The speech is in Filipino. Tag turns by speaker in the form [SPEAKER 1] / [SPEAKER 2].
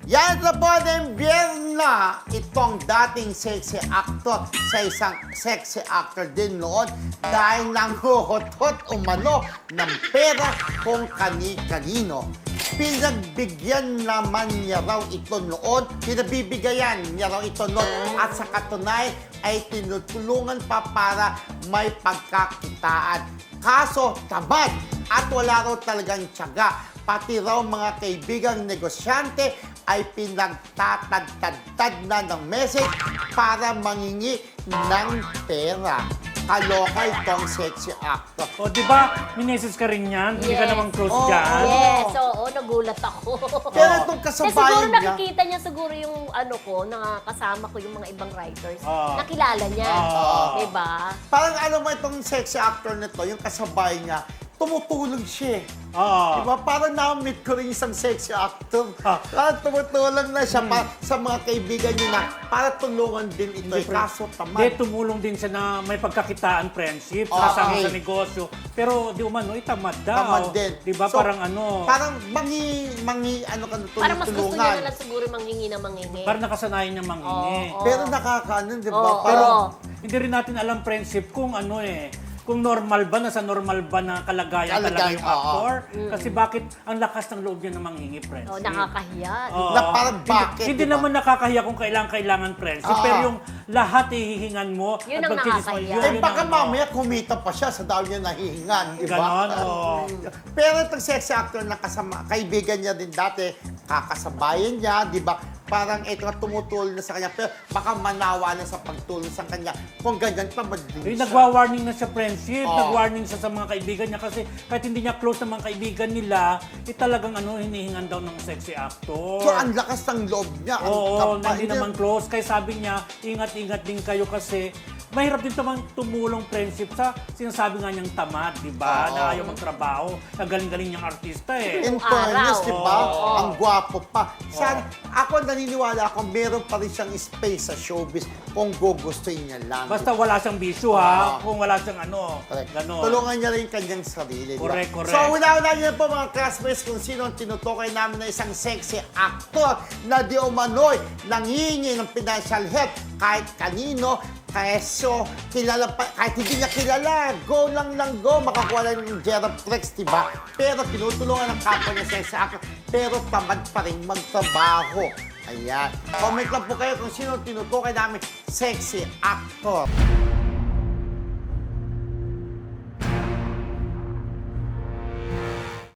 [SPEAKER 1] Yan na po ng biyerna itong dating sexy actor sa isang sexy actor din noon dahil nanghuhutot umano ng pera kung kani-kanino. Pinagbigyan naman niya raw ito noon, pinabibigayan niya raw ito noon at sa katunayan ay tinutulungan pa para may pagkakitaan. Kaso tamad at wala raw talagang tiyaga. Pati raw mga kaibigang negosyante ay pinagtatad-tad na ng message para mangingi ng pera. Kaloka itong sexy actor.
[SPEAKER 2] O, di ba? Minesis ka rin yan? Hindi ka
[SPEAKER 3] Yes.
[SPEAKER 2] namang close
[SPEAKER 1] Oo.
[SPEAKER 2] dyan?
[SPEAKER 3] Yes, oo, nagulat ako.
[SPEAKER 1] Pero itong
[SPEAKER 3] Kasi siguro
[SPEAKER 1] kasabayan niya,
[SPEAKER 3] nakikita niya siguro yung ano ko, nakakasama ko yung mga ibang writers.
[SPEAKER 2] Ah.
[SPEAKER 3] Nakilala niya.
[SPEAKER 2] Ah.
[SPEAKER 3] Diba?
[SPEAKER 1] parang ano mo itong sexy actor nito, yung kasabay niya, tumutulong siya.
[SPEAKER 2] Oo.
[SPEAKER 1] Diba? Parang na-meet ko rin isang sexy actor.
[SPEAKER 2] Ah.
[SPEAKER 1] Parang tumutulong na siya sa mga kaibigan niya na para tulungan din ito.
[SPEAKER 2] Hindi,
[SPEAKER 1] Kaso tamad.
[SPEAKER 2] Hindi, tumulong din siya na may pagkakitaan friendship,
[SPEAKER 1] Okay.
[SPEAKER 2] kasama sa negosyo. Pero di umano, tamad daw.
[SPEAKER 1] Tamad din.
[SPEAKER 2] Di ba?
[SPEAKER 1] So,
[SPEAKER 2] Parang ano,
[SPEAKER 1] Parang ano ka na
[SPEAKER 3] Parang mas gusto niya
[SPEAKER 1] tulungan.
[SPEAKER 3] na lang siguro manghingi na manghingi.
[SPEAKER 2] parang nakasanayan niya mangingi.
[SPEAKER 3] Oo.
[SPEAKER 1] Pero nakakaano, di ba?
[SPEAKER 3] Oo.
[SPEAKER 1] Parang,
[SPEAKER 2] Hindi rin natin alam friendship kung ano kung normal ba, nasa normal ba na kalagayan talaga
[SPEAKER 1] Kalagayan,
[SPEAKER 2] yung
[SPEAKER 1] oo.
[SPEAKER 2] actor. Kasi bakit ang lakas ng loob niya na manghingi friendship.
[SPEAKER 3] Oh, nakakahiya.
[SPEAKER 2] Oo.
[SPEAKER 1] Na parang bakit,
[SPEAKER 2] Hindi
[SPEAKER 1] di ba?
[SPEAKER 2] naman nakakahiya kung kailangan friendship,
[SPEAKER 1] Oo.
[SPEAKER 2] pero yung lahat hihingan mo.
[SPEAKER 3] Yun
[SPEAKER 2] at
[SPEAKER 3] ang
[SPEAKER 2] pagtitis mo,
[SPEAKER 3] nakakahiya.
[SPEAKER 1] eh
[SPEAKER 2] yun
[SPEAKER 1] baka
[SPEAKER 2] ang-
[SPEAKER 1] mamaya kumita pa siya sa dahil niya nahihingan, di ba?
[SPEAKER 2] Ganon, oo.
[SPEAKER 1] Pero itong sexy actor na kaibigan niya din dati, kakasabayan niya, di ba? Parang ito nga tumutulong na sa kanya, pero baka manawa na sa pagtulong sa kanya. Kung ganyan pa,
[SPEAKER 2] Eh, nagwa-warning na siya friendship,
[SPEAKER 1] Oo.
[SPEAKER 2] nag-warning siya sa mga kaibigan niya kasi kahit hindi niya close sa mga kaibigan nila, talagang hinihingan daw ng sexy actor.
[SPEAKER 1] So, ang lakas ng loob niya. ang
[SPEAKER 2] Oo,
[SPEAKER 1] kapal
[SPEAKER 2] na hindi
[SPEAKER 1] niya.
[SPEAKER 2] naman close. Kaya sabi niya, ingat-ingat din kayo kasi mahirap din naman tumulong friendship sa sinasabi nga niyang tamad, di ba?
[SPEAKER 1] Oo.
[SPEAKER 2] Na ayaw magtrabaho. Ang galing-galing niyang artista
[SPEAKER 1] In
[SPEAKER 3] Yung
[SPEAKER 1] fairness,
[SPEAKER 3] araw.
[SPEAKER 1] di ba?
[SPEAKER 3] Oo.
[SPEAKER 1] Ang gwapo pa. Sana, ako naniniwala ako, meron pa rin siyang space sa showbiz kung gugustuhin niya lang.
[SPEAKER 2] Basta wala siyang bisyo ha.
[SPEAKER 1] Oo.
[SPEAKER 2] Kung wala siyang
[SPEAKER 1] Correct.
[SPEAKER 2] gano'n.
[SPEAKER 1] Tulungan niya rin kanyang sarili. di ba?
[SPEAKER 2] Correct, correct.
[SPEAKER 1] So, una-una niyo po mga classmates kung sino ang tinutukoy namin na isang sexy actor na di umano'y nangingi ng financial help kahit kanino. Keso, kilala pa, kahit hindi niya kilala, go lang, makakuha lang ng Geraplex, di ba? Pero tinutulungan ng kapwa niya sexy actor, pero tamad pa rin magtrabaho. Ayan. Comment lang po kayo kung sino ang tinutukoy namin sexy actor.